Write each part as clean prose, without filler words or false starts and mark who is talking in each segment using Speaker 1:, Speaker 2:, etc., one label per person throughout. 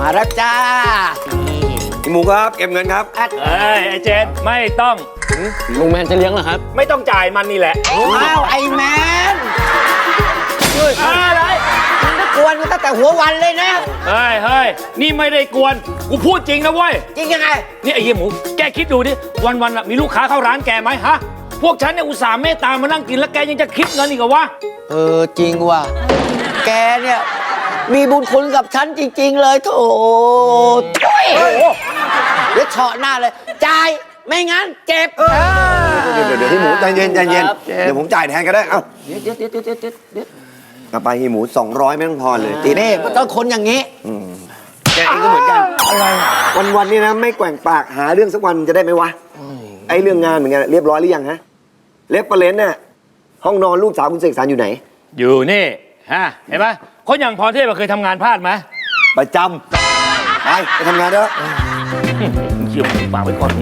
Speaker 1: มาแล้วจ้า
Speaker 2: พี่หมูครับเก็บเงินครับ
Speaker 3: เอ้ยไอ้เจนไม่ต้อง
Speaker 4: ลุงแมนจะเลี้ยงเหรอครับ
Speaker 3: ไม่ต้องจ่ายมันนี่แหละ
Speaker 1: อ้าวไอ้แมน
Speaker 3: อะไร
Speaker 1: กวนตั้งแต่หัววันเลยนะ
Speaker 3: เฮ้ยนี่ไม่ได้กวนกูพูดจริงนะเว้ย
Speaker 1: จริงยังไง
Speaker 3: นี่ไอ้เหี้ยหมูแกคิดดูดิวันๆมีลูกค้าเข้าร้านแกไหมฮะพวกฉันเนี่ยอุตส่าห์เมตตามานั่งกินแล้วแกยังจะคิดเงินอีกเหรอวะ
Speaker 1: จริงว่ะแกเนี่ยมีบุญคุณกับฉันจริง ๆ เลยโถเดี๋ยวเฉาะหน้าเลยจ่ายไม่งั้นเจ็บ
Speaker 2: เดี๋ยวพี่หมูใจเย็นเดี๋ยวผมจ่ายแทนก็ได้เอ้า
Speaker 1: เดี๋ยว
Speaker 2: กลับไปพี่หมู200ไม่ต้องพอเลยตี
Speaker 1: นี่มันต้องคนอย่างนี้
Speaker 2: แกเองก็เหมือนกันอะไรวันๆนี่นะไม่แกว่งปากหาเรื่องสักวันจะได้ไหมวะไอ้เรื่องงานเหมือนกันเรียบร้อยหรือยังฮะเล็บเปรนน่ะห้องนอนลูกสาวคุณเสกสรรอยู่ไหน
Speaker 3: อยู่นี่ฮะเห็นไหมคนอย่างพรเทพเคยทำงานพลาดไหม
Speaker 2: ประจำไปทำงานเถอะ
Speaker 3: เขี่ยวปากไว้ก่อน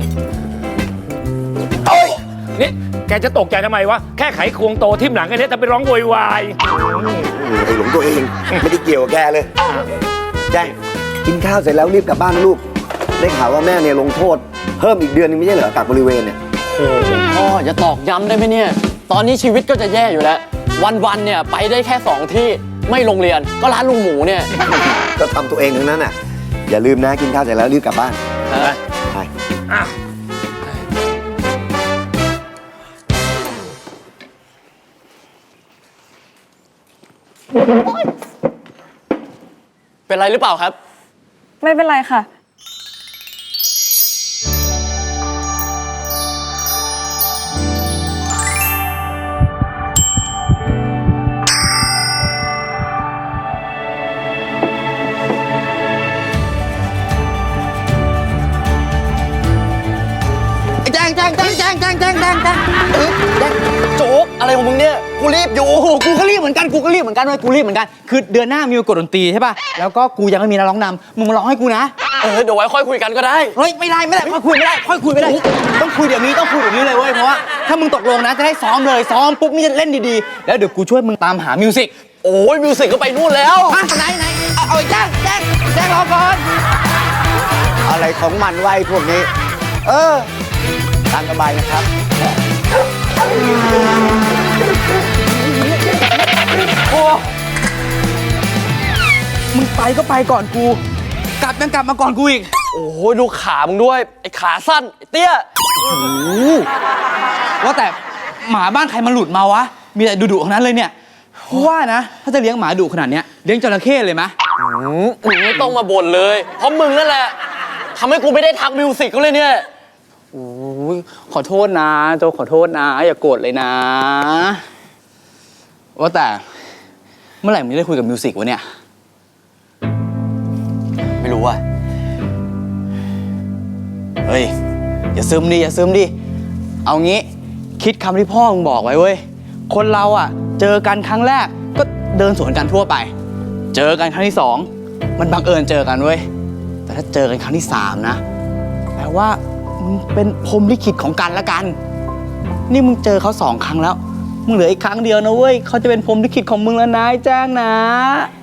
Speaker 3: นี่แกจะตกใจทำไมวะแค่ไขควงโตทิ่มหลังแค่นี้แต่ไปร้องโวยวาย
Speaker 2: ไอ้หลงตัวเองไม่ได้เกี่ยวกับแกเลยแจ้งกินข้าวเสร็จแล้วรีบกลับบ้านนะลูกได้ข่าวว่าแม่เนี่ยลงโทษเพิ่มอีกเดือนนึงไม่ใช่เหรอกักบริเวณเนี่ย
Speaker 4: โอ้พ่ออย่าตอกย้ำได้ไหมเนี่ยตอนนี้ชีวิตก็จะแย่อยู่แล้ววันๆเนี่ยไปได้แค่2ที่ไม่โรงเรียนก็ร้านลุงหมูเนี่ย
Speaker 2: ก็ทำตัวเองทั้งนั้นอ่ะอย่าลืมนะกินข้าวเสร็จแล้วรีบกลับบ้านไป
Speaker 4: เป็นไรหรือเปล่าครับ
Speaker 5: ไม่เป็นไรค่ะ
Speaker 1: แจ้ง
Speaker 4: โจ๊กอะไรของมึงเนี่ยกูรีบอยู่
Speaker 6: โอ้โหกูก็รีบเหมือนกันเว้ยกูรีบเหมือนกันคือเดือนหน้ามีกฎดนตรีใช่ป่ะแล้วก็กูยังไม่มีนักร้องนำมึงมาร้องให้กูนะ
Speaker 4: เดี๋ยวไว้ค่อยคุยกันก็ได้
Speaker 6: เฮ้ยไม่ได้ค่อยคุยไม่ได้ต้องคุยเดี๋ยวนี้เลยเว้ยเพราะว่าถ้ามึงตกลงนะจะได้ซ้อมเลยซ้อมปุ๊บนี่จะเล่นดีๆแล้วเดี๋ยวกูช่วยมึงตามหามิวสิก
Speaker 4: โอ้ยมิวสิกก็ไปนู่นแล้ว
Speaker 6: ไหนเอาแจ้งรอก่อน
Speaker 1: อะไรของมันไว้พวกนี้ตามสบายนะครับ
Speaker 6: โอ้มึงไปก็ไปก่อนกูกลับมาก่อนกูอีก
Speaker 4: โอ้ยดูขามึงด้วยไอ้ขาสั้นไอ้เตี้ย
Speaker 6: ว่าแต่หมาบ้านใครมาหลุดมาวะมีแต่ดุๆทั้งนั้นเลยเนี่ยว่านะถ้าจะเลี้ยงหมาดุขนาดเนี้ยเลี้ยงจระเข้เลยไหม
Speaker 4: มึงไม่ต้องมาบ่นเลยเพราะมึงนั่นแหละทำให้กูไม่ได้ทักมิวสิกเขาเลยเนี่ย
Speaker 6: โอ้ยขอโทษนะโจขอโทษนะอย่าโกรธเลยนะว่าแต่เมื่อไหร่มึงได้คุยกับมิวสิกวะเนี่ย
Speaker 4: ไม่รู้ว่ะ
Speaker 6: เฮ้ยอย่าซึมดิเอางี้คิดคำที่พ่อมึงบอกไว้เว้ยคนเราอ่ะเจอกันครั้งแรกก็เดินสวนกันทั่วไปเจอกันครั้งที่2มันบังเอิญเจอกันเว้ยแต่ถ้าเจอกันครั้งที่3นะแปลว่ามึงเป็นพรหมลิขิตของกันและกันนี่มึงเจอเขา2 ครั้งแล้วมึงเหลืออีกครั้งเดียวนะเว้ยเขาจะเป็นพรหมลิขิตของมึงแล้วนะแจ้งนะ